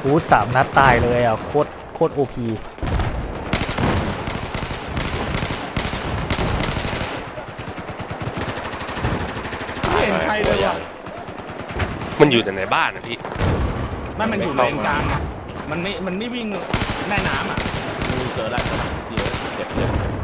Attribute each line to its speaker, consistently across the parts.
Speaker 1: หู3 นัดตายเลยอ่ะโคตรโอพี
Speaker 2: ไม่เห็นใครเลยว่ะ
Speaker 3: มันอยู่แต่ในบ้านนะพี่
Speaker 2: มันอยู่เลนกลางอ่ะมันไม่วิ่งแม่น้ำอ่ะเจอแล้วเดี๋ยวเจ็บ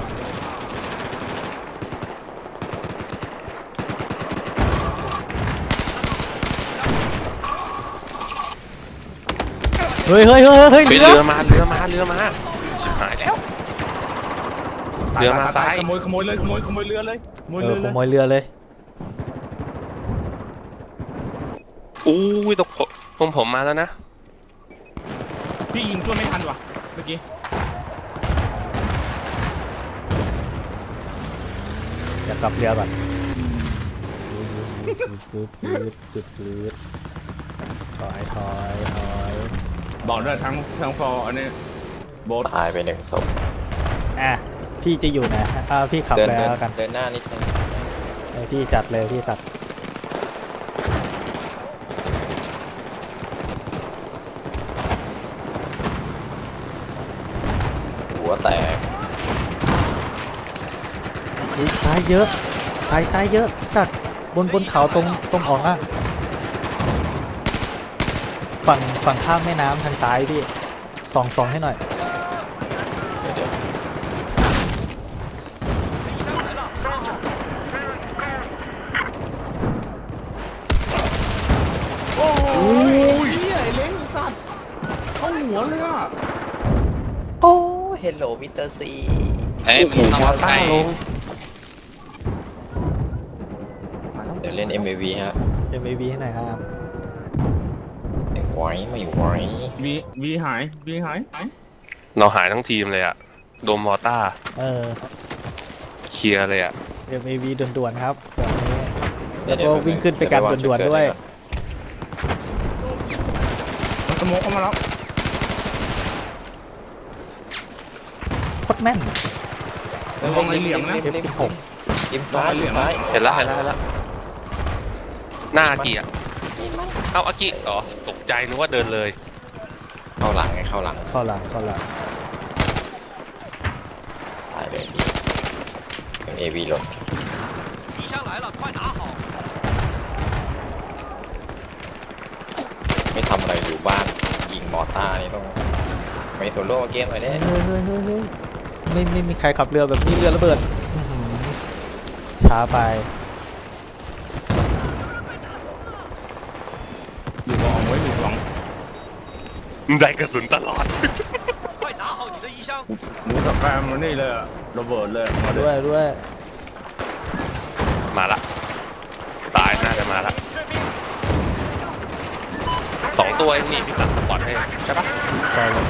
Speaker 1: เฮ้ยเรือ
Speaker 3: มาชิบหายแล้วเรือมาซ้าย
Speaker 2: ขโมยเลยขโมยเรือเลยขโมย
Speaker 1: ข
Speaker 2: เรือเลย
Speaker 1: โมยเรือเลย
Speaker 3: อู้ยตกผมมาแล้วนะ
Speaker 2: พี่ยิงช่วยไม่ทันว่ะเมื่อกี้
Speaker 1: จะกลับเรือก่อนถอย
Speaker 2: บอกด้วยทั้งฟอร์อันนี้โบ๊ท
Speaker 4: ตายไป1 ศพ
Speaker 1: อ่ะพี่จะอยู่ไหนพี่ขับ
Speaker 4: เดิน
Speaker 1: แล้วกัน
Speaker 4: เดินหน้านิดนึง
Speaker 1: พี่จัดเลยพี่จัด
Speaker 4: หัวแตก
Speaker 1: ซ้ายเยอะซ้ายเยอะสัตว์บนเขาตรงออกอ่ะฝั่งข้ามแม่น้ำทางซ้ายพี่ส่องให้หน่อย
Speaker 4: เดี๋ยว
Speaker 2: โอ้ยไอ้เล้งสัตว์เข้าหัวเลยอ่ะ
Speaker 4: โอ้เฮลโลมิสเตอร์ซี
Speaker 3: มีมอต้าลง
Speaker 4: เดี๋ยวเล่น MAV ฮะ
Speaker 1: MAV ให้หน่อยครับ
Speaker 4: ไม่ไหว
Speaker 2: วีหาย
Speaker 3: เราหายทั้งทีมเลยอะโดมมอต้า เคลียร์เลยอะ
Speaker 1: MAV ด่วนๆครับแบบนี้
Speaker 4: เดี๋
Speaker 1: แล้
Speaker 4: ยว ว
Speaker 1: ก็วิ่งขึ้นไปกันด่วนๆด้วย
Speaker 2: มันสโมกเข้ามาแล้ว
Speaker 1: โคตรแม่น
Speaker 2: ระวังไอ้เหลี่ยมนะ
Speaker 1: F16
Speaker 4: ริมซ้าย
Speaker 3: เห็นแล้วหน้าอากิอะเอาอากิเหรอตกใจนึกว่าเดินเลย
Speaker 4: เข้าหลังไงเข้าหลัง
Speaker 1: เข้าหลัง
Speaker 4: ตายเลยพี่ MAV หล่นไม่ทำอะไรอยู่บ้านยิงมอต้านี่ต้องไม่โซโล่เกมอะไรเนี่ย
Speaker 1: เฮ้ยไม่มีใครขับเรือแบบนี้เรือระเบิดอื้อหือช้าไป
Speaker 2: อยู่กองไว้อยู่กอง
Speaker 3: ได้กระสุนตลอด
Speaker 2: หมูกับแกมมันนี่เลยอะระเบิดเลยมาด้
Speaker 1: ด้
Speaker 2: ว
Speaker 1: วย ย
Speaker 3: มาละตายน่าจะมาละ2 ตัวเองนี่พี่สันสปอร์ตให้ใช่ปะ
Speaker 1: ไปเลย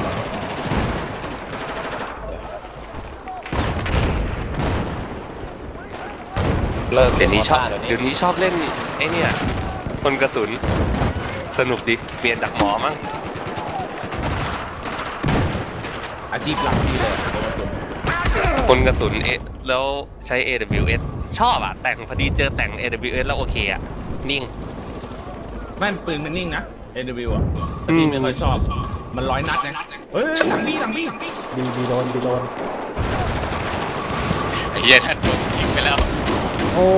Speaker 4: เลิก
Speaker 3: เดี๋ยวนี้ชอบ
Speaker 4: เดี๋ยวนี้
Speaker 3: เดี๋ยวนี้ชอบเล่นไอ้เนี่ยคนกระสุนสนุกดิเปลี่ยนจากหมอมั้ง
Speaker 2: อาชีพหลักที่เลย
Speaker 3: คนกระสุนแล้วใช้ AWS ชอบอ่ะแต่งพอดีเจอแต่ง AWS แล้วโอเคอ่ะนิ่ง
Speaker 2: แม่นปืนมันนิ่งนะ AW อ่ะแต่พี่ไม่ค่อยชอบมัน100 นัดนะเฮ้ยหลังพี่
Speaker 1: บีโดน
Speaker 3: เฮียแทนโดนยิงไปแล้ว
Speaker 1: โอ้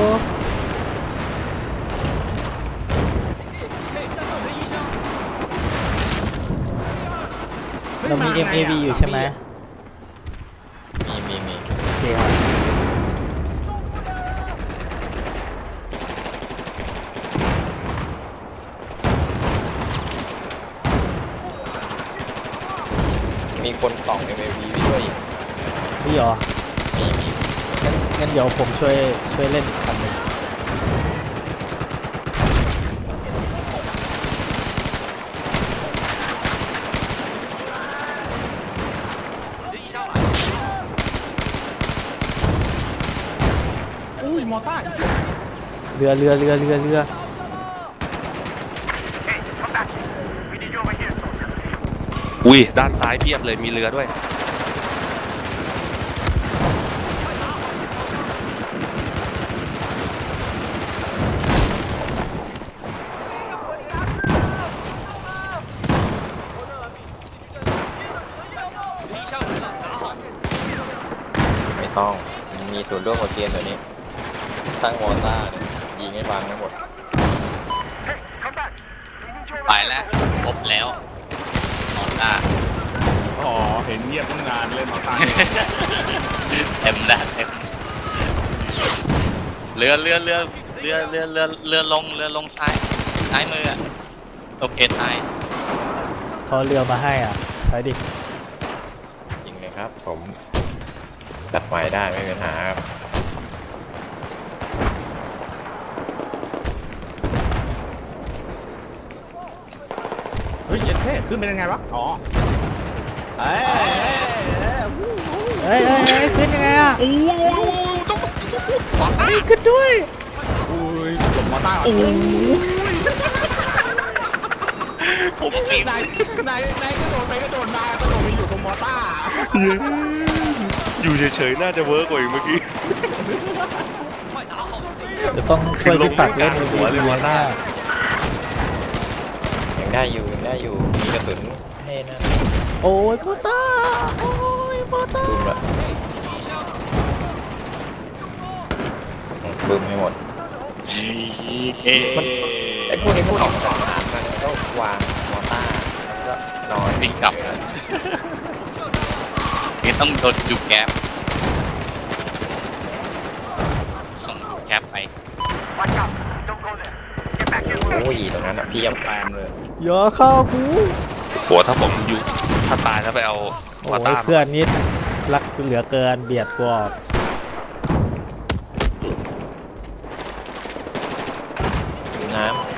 Speaker 1: เรามี MAV อยู่ใช่ไหม
Speaker 4: มี
Speaker 1: โอเคครับ
Speaker 4: มีคนส่อง MAV ไปด้วยอีก
Speaker 1: นี่เหรอ
Speaker 4: มี
Speaker 1: งั้นเดี๋ยวผมช่วยเล่นอีกคันหนึ่ง
Speaker 2: อุ้ยมอต้า
Speaker 1: เรือ
Speaker 3: อุ้ยด้านซ้ายเพียบเลยมีเรือด้วย
Speaker 4: ต้องมีส่วนร่วมกับเกมตัวนี้ตั้งวอต้าเนี่ยยิงให้ฟังทั้งหมด
Speaker 5: ไปแล้วครบแล้วมอต้า
Speaker 2: อ๋อเห็นเงียบตั้งนานเลยมาตาย
Speaker 5: เต็มแล้วเต็มเรือลงซ้ายมืออะโอเคซ้าย
Speaker 1: เขาเรือมาให้อ่ะไปดิ
Speaker 4: ยิงเลยครับผมจัดใหม่ได้ไม่มีปัญหาครับ
Speaker 2: เฮ้ยเย็นเท่ขึ้นเป็นยังไงวะอ๋อเอ้ย
Speaker 1: เอ้ยขึ้นยังไงอ่ะ
Speaker 2: โอ้โหต้อง
Speaker 1: เฮ้ยขึ้นด้วย
Speaker 2: อุ้ยจบมอต้าโอ้ผมจริงนายกระโดดไปกระโดดมากระโดดไปอยู่ตรงมอต้า
Speaker 3: อยู่เฉยๆน่าจะเวิร์กกว่าอีกเมื่อกี้
Speaker 1: จะต้องช่วยพิศักดิ์เล่นใน
Speaker 3: หัวเลยว่าหน้า
Speaker 4: ยังได้อยู่มีกระสุนให้นะ
Speaker 1: โอ้ยโปต้าโอ้ยโปต้า
Speaker 4: บึ้มละบึ้มให้หมด ไอ้พวกนี้พวกออกมาจากน้ำมันก็วางมอต้าแล้วก็นอน
Speaker 5: วิ่งกลับเลยนี่ต้องโดนดูแก๊ปส่งดูแก๊ปไป
Speaker 4: โอ้ยตรงนั้นอ่ะเพียบ
Speaker 2: แปลงเลย
Speaker 1: อย่าเข้ากู
Speaker 3: โหถ้าผมอยู่ถ้าตายแล้วไปเอา
Speaker 1: โอ้
Speaker 3: วาต้าย
Speaker 1: เพื่อนนิดรักเหลือเกินเบียดกว่า
Speaker 4: น้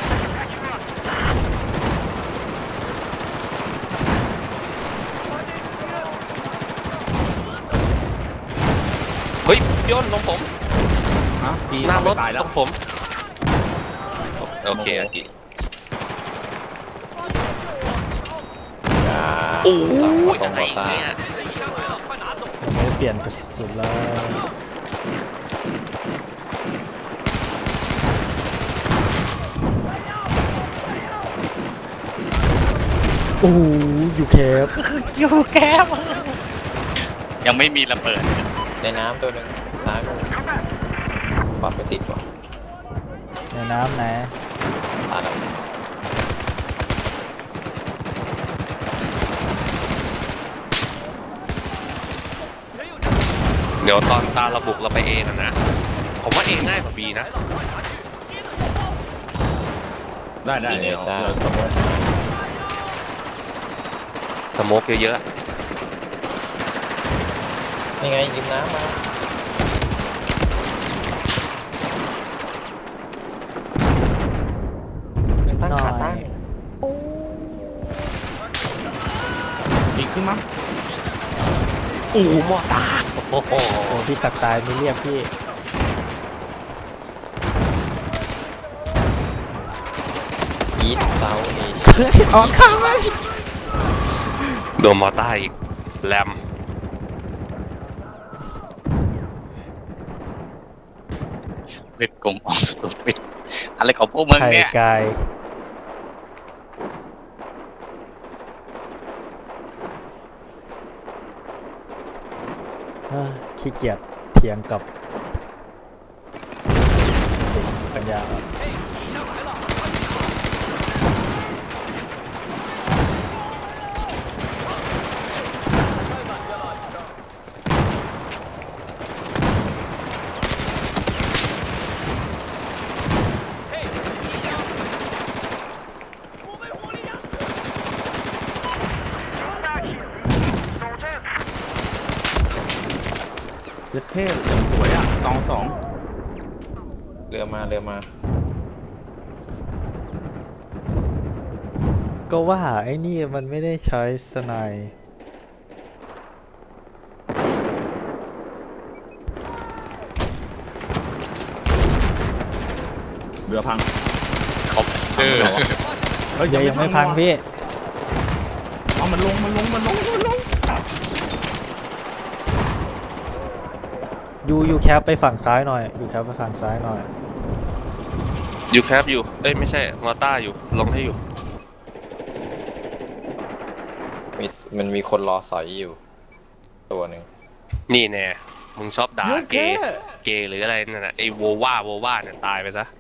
Speaker 3: เฮ้ยย่นลงผม
Speaker 2: ฮะปี
Speaker 3: หน้ารถ
Speaker 2: ตายแล้
Speaker 3: ต
Speaker 2: ว
Speaker 3: รงผมโอเคอากิ
Speaker 4: ำอย่า
Speaker 3: โอ้ย
Speaker 4: ตร
Speaker 3: อะ
Speaker 4: ง
Speaker 3: ไร
Speaker 4: มอต้า
Speaker 3: เนี่ย
Speaker 1: ยังไม่ได้เปลี่ยนกระสุนแล้วโอ้โหอยู่แคบ
Speaker 5: อยู่แก๊ปยังไม่มีระเบิด
Speaker 4: ในน้ำตัวหนึ่งซ้ายมือปรับไปติดก่อน
Speaker 1: ในน้ำนะ
Speaker 4: ตายแล้ว
Speaker 3: เดี๋ยวตอนตาระบุกเราไปเอนะ ผมว่าเอง่ายกว่าบีนะ
Speaker 2: ได้ได้
Speaker 4: ยิงเล
Speaker 2: เดี๋
Speaker 4: ย
Speaker 2: ยว
Speaker 4: จ้า
Speaker 3: สโมกเยอะ
Speaker 4: นี่ไงยิงน้ำมาตั้ง
Speaker 1: หน่อ
Speaker 4: ขาตั้ง
Speaker 1: ย
Speaker 2: อีกขึ้นมั้ง
Speaker 3: ๆอู้มอตาโอ้โห
Speaker 1: โอ้พี่ศักดิ์ตายไม่เรียกพี่
Speaker 4: อีทเซาเอช
Speaker 1: เฮ้ยออกข้างเลย
Speaker 3: โดนมอต้าอีกแรม
Speaker 5: เล็ดกลมออกสตูปิดอะไรของพวกมึง
Speaker 1: ไข่
Speaker 5: เนี่ย
Speaker 1: ไก่เอ้อขี้เกียจเถียงกับเด็กปัญญาอ่อน
Speaker 2: เย็ดเท่อย่างสวยอ่ะสอง
Speaker 4: เรือมา
Speaker 1: ก็ว่าไอ้นี่มันไม่ได้ใช้สไนด์
Speaker 2: เรือพัง
Speaker 5: ครบเออ
Speaker 2: เฮ้ย
Speaker 1: ยังไม่พังพี่
Speaker 2: เอามันลง
Speaker 1: อยู่แคปไปฝั่งซ้ายหน่อยอยู่แคปไปฝั่งซ้ายหน่อย
Speaker 3: อยู่แคปอยู่ เอ้ยไม่ใช่มอต้าอยู่ลงให้อยู่
Speaker 4: มันมีคนรอสอยอยู่ตัวหนึ่ง
Speaker 3: นี่แน่มึงชอบด่าเกย์เกย์หรืออะไรนั่นน่ะไอ้โวว่าเนี่ยตายไปซะ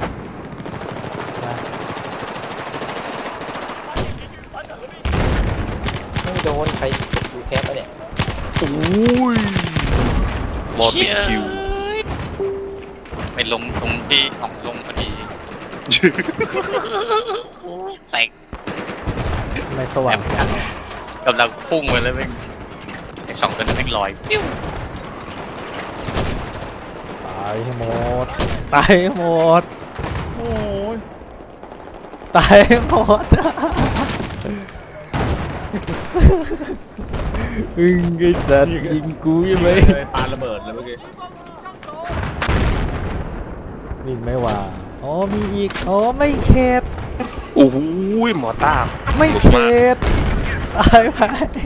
Speaker 4: ไม่โดนใครดูแคปปะเนี่ย
Speaker 3: บอติคิว
Speaker 5: ไปลงตรงที่ของลงพอดีแตก
Speaker 1: ไม่สว่างจัง
Speaker 5: กำลังพุ่งไปแล้วแม่งไอ้สองตัวนั้นแม่งลอยปิ้ว
Speaker 1: ตายให้หมดตายให้หมด
Speaker 2: โอ้ย
Speaker 1: ตายให้หมดอึ้งไอ้สัตว์ยิงกูใช่ไหม
Speaker 2: เลยปาระเบิดเลยเมื่อกี้
Speaker 1: มินไม่ว่าอ๋อมีอีกอ๋อไม่เข็ด
Speaker 3: โอ้โหหมอต้า
Speaker 1: ไม่
Speaker 3: หลุด
Speaker 1: เข็
Speaker 3: มา
Speaker 1: ดตายไป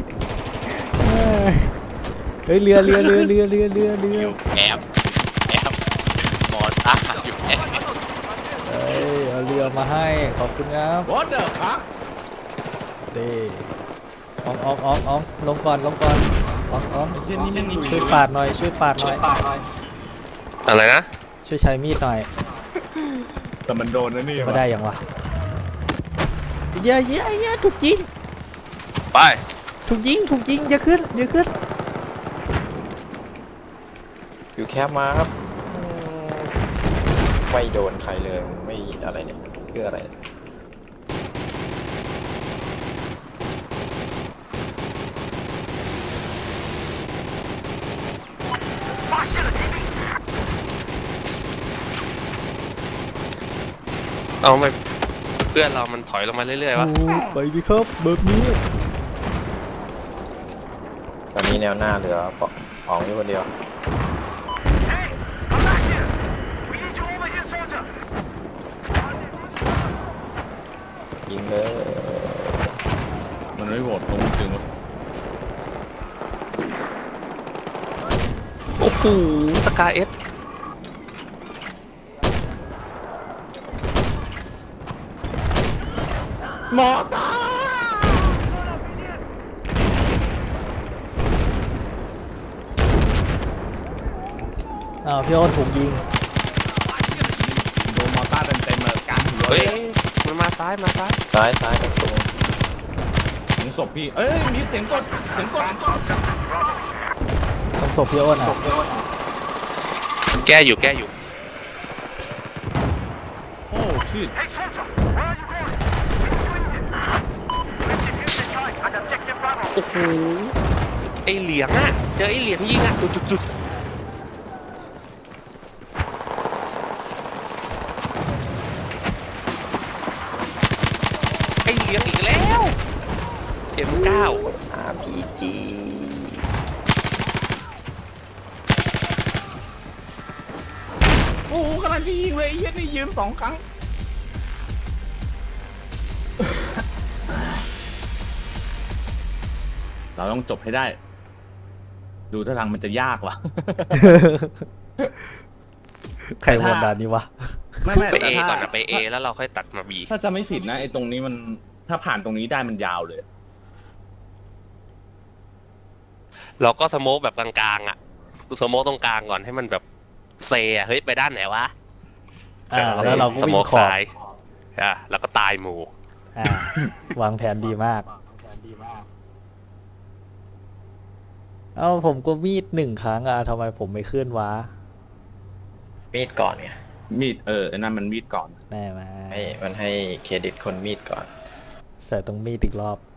Speaker 1: เฮ้ยเรือ
Speaker 5: อยู่แอบหมอตาอยู่แอบ
Speaker 1: เฮ้ยเอาเรือมาให้ขอบคุณครับ
Speaker 2: วอเตอร์ครับ
Speaker 1: เด้อองลงก่อนออง
Speaker 2: ไอ้เช่นนี้ไม่มี
Speaker 1: ช่วยปาดหน่อยช่วยปาดหน่อย
Speaker 3: อะไรนะ
Speaker 1: ช่วยใช้มีดหน่อย
Speaker 2: แต่มันโดนนะนี่
Speaker 1: ไม่ได้อย่างวะเยอะถูกยิง
Speaker 3: ไป
Speaker 1: ถูกยิงอย่าขึ้น
Speaker 4: อยู่แคปมาครับไม่โดนใครเลยไม่อะไรเนี่ยเพื่ออะไร
Speaker 3: เอาไปเพื่อนเรามันถอยลงมาเรื่อยๆวะ
Speaker 1: โอ้ไปดิครับแบบนี้
Speaker 4: ตอนนี้แนวหน้าเหลือป๋องอยู่คนเดียวยิงเลย
Speaker 2: มันไม่โหวตตรงจริงวะ
Speaker 3: โอ้โหสกาเอส
Speaker 2: หมอตา
Speaker 1: อ้าวพี่อ้นถูกยิง
Speaker 2: โดนมอต้าเต็มๆเลยกลางหัว
Speaker 3: เฮ้ยมันมาซ้าย
Speaker 4: ซ้ายตรง
Speaker 2: ถึงศพพี่เอ้ยมีเสียงกด
Speaker 1: ต้องศพพี่อ้นอ่ะ
Speaker 3: แก้อยู่
Speaker 2: โอ้ชิด
Speaker 3: โอ้โหไอเหลียงอะเจอไอเหลียงยิงอะจุดไอเหลียงอีกแล้ว M9
Speaker 4: RPG
Speaker 2: โอ้โหกำลังจะยิงเลยไอ้เหี้ยนี่ยืน2 ครั้ง เราต้องจบให้ได้ ดูท่าทางมันจะยากว่ะ
Speaker 1: ใครโหวตด่านนี้วะ
Speaker 2: ไม่
Speaker 3: ไป A
Speaker 2: แต่ถ้า
Speaker 3: ก่อนอะไป A แล้วเราค่อยตัดมา B
Speaker 2: ถ้าจะไม่ผิดนะไอ้ตรงนี้มันถ้าผ่านตรงนี้ได้มันยาวเลย
Speaker 3: เราก็สโมกแบบกลางๆอะสโมกตรงกลางก่อนให้มันแบบเซอะเฮ้ยไปด้านไหนวะ
Speaker 1: แล้วเราก็
Speaker 3: ส
Speaker 1: วิ่
Speaker 3: โม
Speaker 1: ง
Speaker 3: ก
Speaker 1: ขอบ
Speaker 3: ซ้ายแล้วก็ตายหมู่
Speaker 1: วางแผนดีมาก เอ้าผมก็มีด1 ครั้งอ่ะทำไมผมไม่ขึ้นวะ
Speaker 4: มีดก่อนไง
Speaker 2: มีดไอ้นั่นมันมีดก่อน
Speaker 1: แน่มา
Speaker 4: มันให้เครดิตคนมีดก่อน
Speaker 1: ใส่ตรงมีดอีกรอบ